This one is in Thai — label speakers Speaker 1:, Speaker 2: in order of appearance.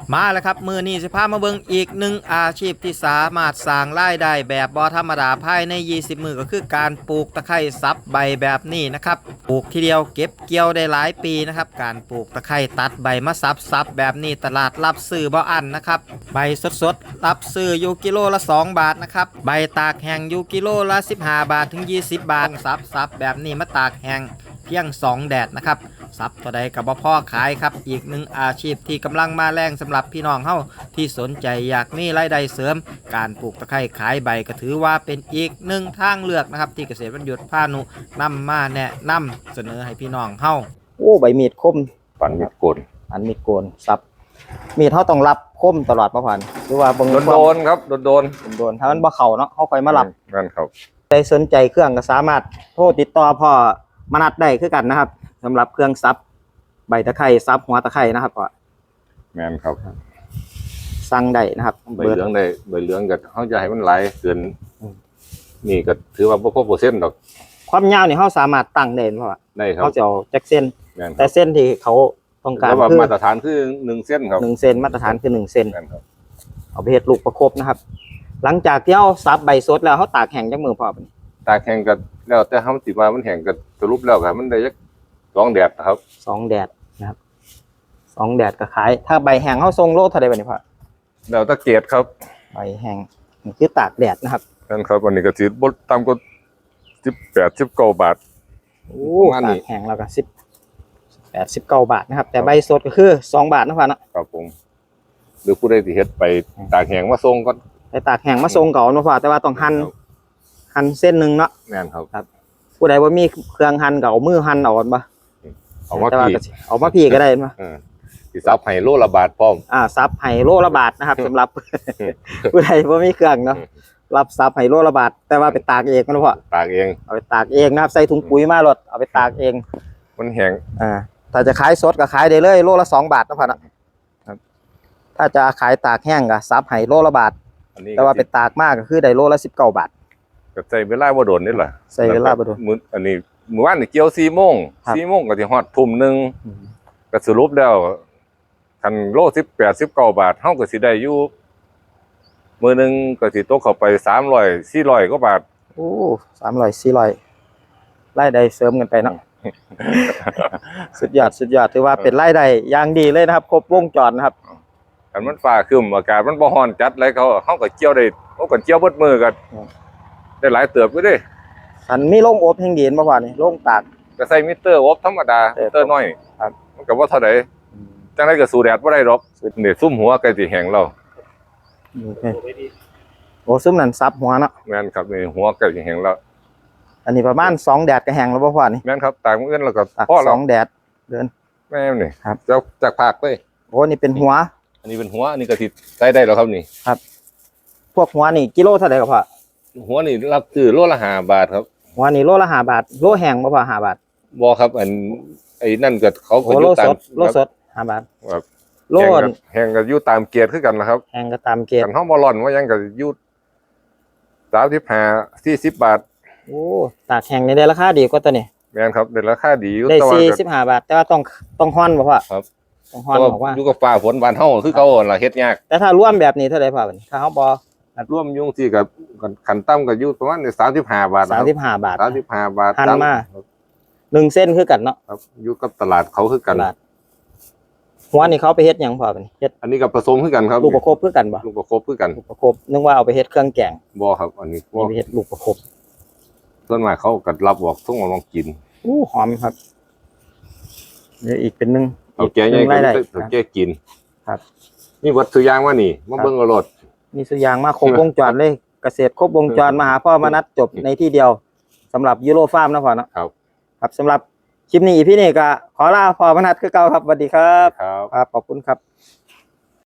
Speaker 1: มาแล้วครับมือนี้สิพามาเบิ่งอีกหนึ่งอาชีพที่สามารถสร้างรายได้แบบบ่ธรรมดาภายใน20มื้อก็คือการปลูกตะไคร้ซับใบแบบนี้นะครับปลูกทีเดียวเก็บเกี่ยวได้หลายปีนะครับการปลูกตะไคร้ตัดใบมาซับแบบนี้ตลาดรับซื้อบ่อั้นนะครับใบสดๆรับซื้ออยู่กิโลละ2 บาทนะครับใบตากแห้งอยู่กิโลละ15 บาทถึง20 บาทซับแบบนี้มาตากแห้งเพียง2 แดดนะครับซับตัวใดกับบ่พอขายครับอีกหนึ่งอาชีพที่กำลังมาแรงสำหรับพี่น้องเฮาที่สนใจอยากมีรายได้เสริมการปลูกตะไคร้ขายใบก็ถือว่าเป็นอีกหนึ่งทางเลือกนะครับที่เกษตรบรรยุทธ์พานุนำมาแนะนำเสนอให้พี่น้องเฮาโอ้ใบมีดคม
Speaker 2: ปั่นมีดโกน
Speaker 1: อันมีดโกนซับมีดเฮาต้องรับคมตลอดประพันธ์หรือว่าเบิ่ง
Speaker 2: โดนครับโดน
Speaker 1: ถ้ามันบ่เข้าเนาะเฮาค่อยมารับ
Speaker 2: นั่นครับ
Speaker 1: ใครสนใจเครื่องก็สามารถโทรติดต่อพ่อมนัดได้คือกันนะครับสำหรับเครื่องซับใบตะไคร้ซับหัวตะไคร้นะครับพ่อ
Speaker 2: แม่นครับ
Speaker 1: สั่งได้นะครับ
Speaker 2: ใบเหลืองได้ใบเหลืองก็เขาจะให้มันไหลเกินนี่ก็ถือว่าบ่พอเปอร์เซ็นต์ดอก
Speaker 1: ความยาวนี่เขาสามารถตั้งได้เพราะว่า
Speaker 2: ได้ครับ
Speaker 1: เขาจะเอาจากเส้นแต่เส้นที่เขาต้องการ
Speaker 2: คือมาตรฐานคือ1 เส้นครับ
Speaker 1: 1 เส้นมาตรฐานคือ1 เส้นเอาไปเฮ็ดลูกประคบนะครับหลังจากที่เขาซับใบสดแล้วเขาตากแห้งจากมือพอ
Speaker 2: ตากแห้งก็แล้วแต่เขาสิว่ามันแห้งก็สรุปแล้วก็มันได้จัก2 แดดครับ
Speaker 1: 2 แดดนะครับ2 แดดก็ขายถ้าใบแห้งเขาส่งโลเท่าใดบัดนี้พ่อ
Speaker 2: แล้วตะเกียบครับ
Speaker 1: ใบแห้งนี่คือตากแดดนะครับ
Speaker 2: นั่นครับวันนี้ก็สิบ่ต่ำกว่า18 19 บาท
Speaker 1: โอ้ตากแห้งแล้วก็18 19 บาทนะครับแต่ใบสดก็คือ2 บาทนะพ่อเนาะ
Speaker 2: ครับผมหรือผู้ใดที่เฮ็ดไปตากแห้งมาส่งก็
Speaker 1: ไปตากแห้งมาส่งก่อนนะพ่อแต่ว่าต้องหั่นเส้นนึงเนาะ
Speaker 2: แม่นครับ
Speaker 1: ผู้ใดว่ามีเครื่องหั่นก็เอามือหั่นเอาบ่
Speaker 2: เอามา
Speaker 1: พี่ก็ได้บ่
Speaker 2: สิซับให้โลละบาทพร้อม
Speaker 1: ซับให้โลละบาทนะครับสำหรับผู้ใดว่ามีเครื่องเนาะรับซับให้โลละบาทแต่ว่าไปตากเองนะพ่อ
Speaker 2: ตากเอง
Speaker 1: เอาไปตากเองนะครับใส่ถุงปุ๋ยมารถเอาไปตากเอง
Speaker 2: มันแห้ง
Speaker 1: ถ้าจะขายสดก็ขายได้เลยโลละ2 บาทนะพ่อนะครับถ้าจะขายตากแห้งก็ซับให้โลละบาทแต่ว่าไปตากมากก็คือได้โลละ19 บาท
Speaker 2: ก็ใส่เวลาบ่โดนนี่แหละ
Speaker 1: ใส่เวลาบ่โดน
Speaker 2: อันนี้มื้อวานนี่เกี่ยว4 โมงก็สิฮอดทุ่มนึงก็สรุปแล้วคันโล18 19 บาทเฮาก็สิได้อยู่มื้อนึงก็สิตกเข้าไป300 400 กว่าบาท
Speaker 1: โอ้300 400รายได้เสริมกันไปเนาะสุดยอดถือว่าเป็นรายได้อย่างดีเลยนะครับครบวงจรนะครับ
Speaker 2: คันมันฟ้าครึ้มอากาศมันบ่ร้อนจัดเลยเฮาก็เกี่ยวได้เฮาก็เกี่ยวเบิดมื้อก็ได้หลายเติบอยู่เด้
Speaker 1: อันมีโรงอบแห่งดีนบ่ว่านี่โรงตาก
Speaker 2: ก็ใส่มิเตอร์อบธรรมดามิเตอร์น้อย
Speaker 1: ครับ
Speaker 2: มันก็บ่เท่าใดจังได๋ก็สู้แดดบ่ได้ดอกนี่ซุ่มหัวใกล้สิแห้งแล้ว
Speaker 1: โอ้ซุ่มนั่นซับหัวเนาะ
Speaker 2: แม่นครับนี่หัวใกล้สิแห้งแล้ว
Speaker 1: อันนี้ประมาณ2 แดดก็แห้งแล้วบ่พ่อนี่
Speaker 2: แม่นครับตากมื้ออื่นแล้วก็พอแล้ว
Speaker 1: 2 แดดเดือน
Speaker 2: แม่นนี่
Speaker 1: ครับ
Speaker 2: จากภาคเลย
Speaker 1: โอ้นี่เป็นหัว
Speaker 2: อันนี้เป็นหัวอันนี้ก็สิใส่ได้แล้วครับนี่
Speaker 1: ครับพวกหัวนี่กิโลเท่าใดครับพ่อ
Speaker 2: หัวนี่รับซื้อโลละ5 บาทครับ
Speaker 1: หัวนี่โลละ5 บาทโลแห้งบ่พ่อ5 บาท
Speaker 2: บ่ครับไอ้นั่นก็เขาก็อยู่ตาม
Speaker 1: โลสด5 บาท
Speaker 2: ครับโลแห้งก็อยู่ตามเกรดคือกันนะครับ
Speaker 1: แห้งก็ตามเกรด
Speaker 2: กันเฮาบ่ร้อนว่ายังก็อยู่35 40 บาท
Speaker 1: โอ้ตากแห้งนี่ได้ราคาดีกว่าตัวนี้
Speaker 2: แม่นครับได้ราคาดีอยู่
Speaker 1: แต่ว่า45 บาทแต่ว่าต้องฮ้อนบ่พ่อ
Speaker 2: ครับ
Speaker 1: ต้องฮ้อนบอกว่า
Speaker 2: อยู่กับฟ้าฝนบ้านเฮาคือเก่าล่ะเฮ็ดยาก
Speaker 1: แต่ถ้ารวมแบบนี้เท่าใดพ่อถ้าเฮาบ่
Speaker 2: รวมยุ่งที่กับขั้นต่ำก็อยู่ประมาณ35 บาท
Speaker 1: 35 บาท
Speaker 2: 35 บาท
Speaker 1: หั่นมา1 เส้นคือกันเนาะ
Speaker 2: ครับอยู่กับตลาดเขาคือกัน
Speaker 1: หัวนี่เขาไปเฮ็ดหยังพ่อบัดนี้เฮ็ด
Speaker 2: อันนี้ก็ผสมคือกันครับ
Speaker 1: ลูกประคบคือกันบ่
Speaker 2: ลูกประคบคือกัน
Speaker 1: ลูกประคบนึกว่าเอาไปเฮ็ดเครื่องแกง
Speaker 2: บ่ครับอันนี้
Speaker 1: ไปเฮ็ดลูกประคบ
Speaker 2: ส่วนมากเขาก็รับบอกส่งมาลองกิน
Speaker 1: หอมครับนี่อีกเป็นนึง
Speaker 2: เอาแกงใหญ่ก็แกกิน
Speaker 1: ครับ
Speaker 2: นี่วัตถุยางว่านี่มาเบิ่งเอารถ
Speaker 1: มีสุยางมาครบวงจรเลยเกษตรครบวงจรมาหาพ่อมานัดจบในที่เดียวสำหรับยูโรฟาร์มนะพ่อเนาะครับสำหรับคลิปนี้พี่นี่ก็ขอลาพ่อมานัดคือเก่าครับสวัสดีครับ
Speaker 2: ครับ
Speaker 1: ขอบคุณครับ